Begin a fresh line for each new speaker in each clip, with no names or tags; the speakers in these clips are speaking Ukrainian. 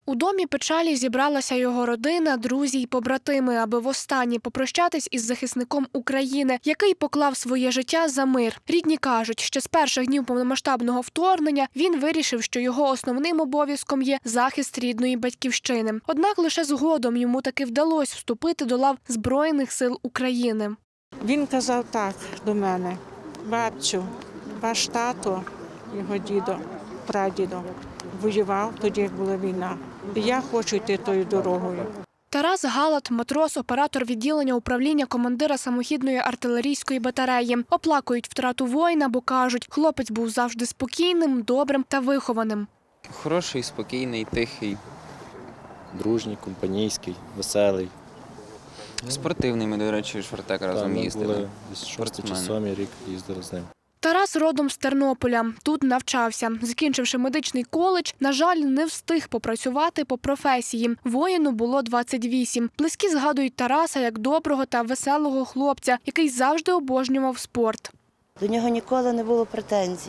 У домі печалі зібралася його родина, друзі й побратими, аби востаннє попрощатись із захисником України, який поклав своє життя за мир. Рідні кажуть, що з перших днів повномасштабного вторгнення він вирішив, що його основним обов'язком є захист рідної батьківщини. Однак лише згодом йому таки вдалося вступити до лав Збройних сил України.
Він казав так до мене: бабцю, ваш тато, його дідо, прадідо, воював тоді, як була війна. І я хочу йти тою дорогою.
Тарас Галат – матрос, оператор відділення управління командира самохідної артилерійської батареї. Оплакують втрату воїна, бо кажуть, хлопець був завжди спокійним, добрим та вихованим.
Хороший, спокійний, тихий.
Дружній, компанійський, веселий.
Спортивний, ми, до речі, в Швартек разом їздили.
Десь 6 чи 7 рік їздили з ним.
Тарас родом з Тернополя. Тут навчався. Закінчивши медичний коледж, на жаль, не встиг попрацювати по професії. Воїну було 28. Близькі згадують Тараса як доброго та веселого хлопця, який завжди обожнював спорт.
До нього ніколи не було претензій.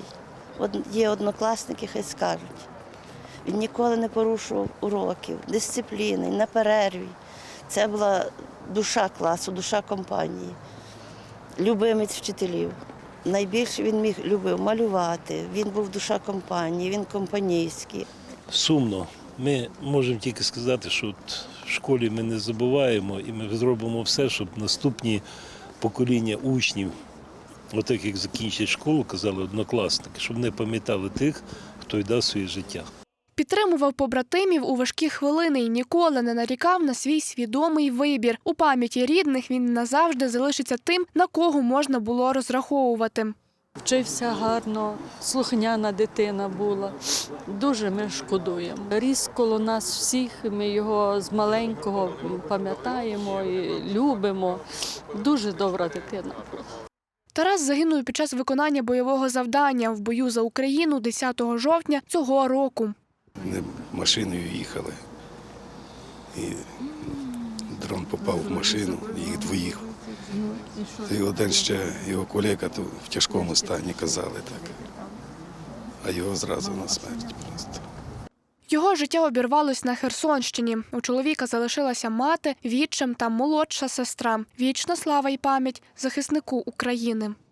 Є однокласники, хай скажуть. Він ніколи не порушував уроків, дисципліни, на перерві. Це була душа класу, душа компанії, любимець вчителів. Найбільше він любив малювати, він був душа компанії, він компанійський.
Сумно. Ми можемо тільки сказати, що в школі ми не забуваємо і ми зробимо все, щоб наступні покоління учнів, отак як закінчать школу, казали однокласники, щоб не пам'ятали тих, хто віддав своє життя.
Підтримував побратимів у важкі хвилини і ніколи не нарікав на свій свідомий вибір. У пам'яті рідних він назавжди залишиться тим, на кого можна було розраховувати.
Вчився гарно, слухняна дитина була. Дуже ми шкодуємо. Ріс коло нас всіх, ми його з маленького пам'ятаємо і любимо. Дуже добра дитина була.
Тарас загинув під час виконання бойового завдання в бою за Україну 10 жовтня цього року.
Вони машиною їхали, і дрон попав в машину, їх двоїх. І один ще, його колега, то в тяжкому стані казали так, а його зразу на смерть просто.
Його життя обірвалось на Херсонщині. У чоловіка залишилася мати, відчим та молодша сестра. Вічна слава й пам'ять захиснику України.